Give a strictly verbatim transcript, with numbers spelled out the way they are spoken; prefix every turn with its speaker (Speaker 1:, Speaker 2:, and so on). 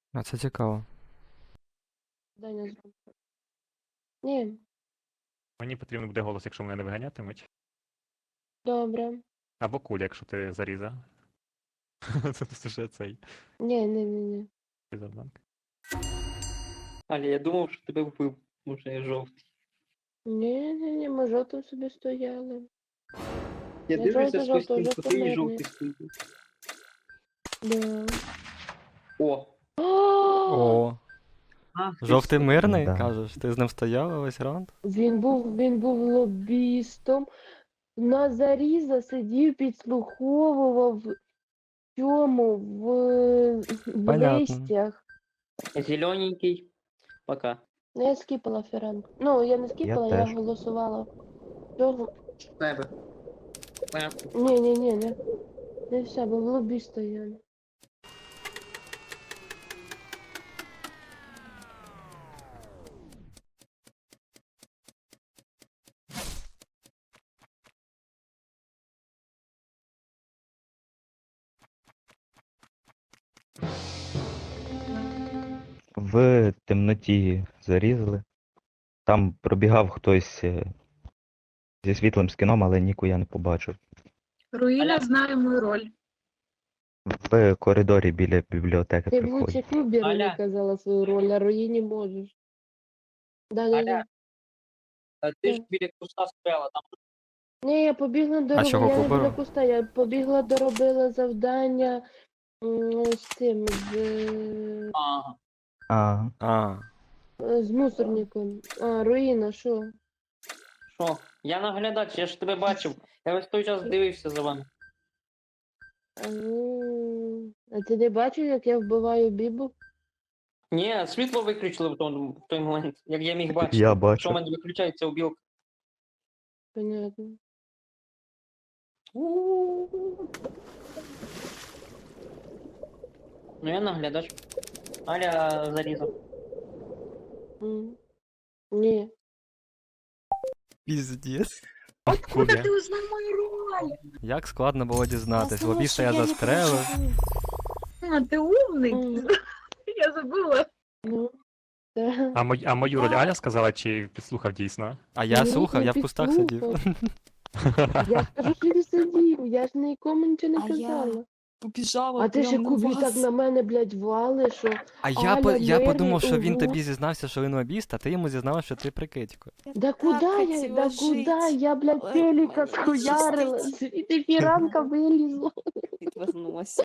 Speaker 1: А це цікаво.
Speaker 2: Даня зробив. Ні,
Speaker 3: Мені потрібен буде голос, якщо мене не виганятимуть.
Speaker 2: добре.
Speaker 3: Або куля, якщо ти заріза. Це вже цей
Speaker 2: Ні, ні, ні, ні.
Speaker 3: завданка.
Speaker 4: Аля, я думав, що тебе вбив, може я жовтий.
Speaker 2: Ні, ні, ні, ми жовтим собі стояли.
Speaker 4: Я
Speaker 2: Я
Speaker 4: дивлюся
Speaker 2: жовтий,
Speaker 4: сквозь
Speaker 2: жовтий,
Speaker 4: стінку,
Speaker 2: жовтий
Speaker 4: ти і
Speaker 2: мирний.
Speaker 4: жовтий стоїть.
Speaker 2: Да.
Speaker 4: О!
Speaker 1: О,
Speaker 4: Ах, ти
Speaker 1: жовтий
Speaker 4: що?
Speaker 1: мирний,
Speaker 5: Да.
Speaker 1: кажеш? Ти з ним стояв весь раунд?
Speaker 2: Він був, він був лобістом. На заріза сидів, підслуховував в цьому, в, в
Speaker 1: Понятно.
Speaker 2: листях.
Speaker 4: Зелененький. Пока.
Speaker 2: Ну, я скіпала фіранку. Ну, я не скіпала, я,
Speaker 5: теж.
Speaker 2: голосувала. Цього-
Speaker 4: Тебе. Понятно.
Speaker 2: Ні, ні, ні, не. Не все, бо в лобі стояли.
Speaker 5: В темноті зарізали. Там пробігав хтось е, зі світлим скіном, але ніку я не побачив.
Speaker 6: Руїна
Speaker 4: Аля.
Speaker 6: знає мою роль.
Speaker 5: В коридорі біля бібліотеки
Speaker 2: Ти б
Speaker 5: приходять.
Speaker 2: лучше Куберу не
Speaker 4: Аля.
Speaker 2: казала свою роль, а Руїні можеш. Да, да, да.
Speaker 4: Аля. А ти ж
Speaker 2: Так.
Speaker 4: біля куста стояла, там
Speaker 2: Ні, я побігла до
Speaker 1: А чого
Speaker 2: я не
Speaker 1: Куберу?
Speaker 2: біля куста, я побігла доробила завдання м, з цим, з, е,
Speaker 4: ага.
Speaker 5: А,
Speaker 1: А,
Speaker 2: з мусорником. А, Руїна, що?
Speaker 4: Що? Я наглядач, я ж тебе бачив. Я весь той час дивився за вами.
Speaker 2: А, ну, а ти не бачив, як я вбиваю Бібу?
Speaker 4: Ні, світло виключили в той, в той момент, як я міг бачити.
Speaker 5: я
Speaker 4: Що в
Speaker 5: бачу.
Speaker 4: мене виключається у білк.
Speaker 2: Понятно.
Speaker 4: Ну я наглядач. Аля зарізав.
Speaker 2: М. Ні.
Speaker 1: піздець.
Speaker 6: Откуда
Speaker 3: Кубя.
Speaker 6: ти узнав мою роль?
Speaker 1: Як складно було дізнатись.
Speaker 2: Тому
Speaker 1: Лобіста
Speaker 2: що
Speaker 1: я
Speaker 2: не
Speaker 1: застрелив.
Speaker 2: прочитала.
Speaker 6: А, ти умний.
Speaker 2: М.
Speaker 6: Я забула.
Speaker 2: Ну, да.
Speaker 3: А, мой, а мою роль Аля сказала, чи підслухав дійсно?
Speaker 1: А я
Speaker 2: Ні,
Speaker 1: слухав,
Speaker 2: не
Speaker 1: я в кустах сидів.
Speaker 2: підслухав. Я ж кажу, що він сидів, я ж нікому нічого не
Speaker 7: А я
Speaker 2: казала.
Speaker 7: Побіжала
Speaker 2: А ти ще
Speaker 7: прям на
Speaker 2: Кубі
Speaker 7: вас.
Speaker 2: так на мене, блядь, вали, що
Speaker 1: А я, по,
Speaker 2: Аля,
Speaker 1: я
Speaker 2: мирний,
Speaker 1: подумав, що він
Speaker 2: ого.
Speaker 1: тобі зізнався, що він лобіст, а ти йому зізнався, що ти прикидько.
Speaker 7: Я
Speaker 2: да
Speaker 7: так
Speaker 2: куда я,
Speaker 7: хотіла
Speaker 2: да
Speaker 7: жить,
Speaker 2: куда я, блядь,
Speaker 7: але
Speaker 2: телека
Speaker 7: мені не
Speaker 2: схуярила,
Speaker 7: щастить.
Speaker 2: і ти фіранка вилізла.
Speaker 7: Відвернулася.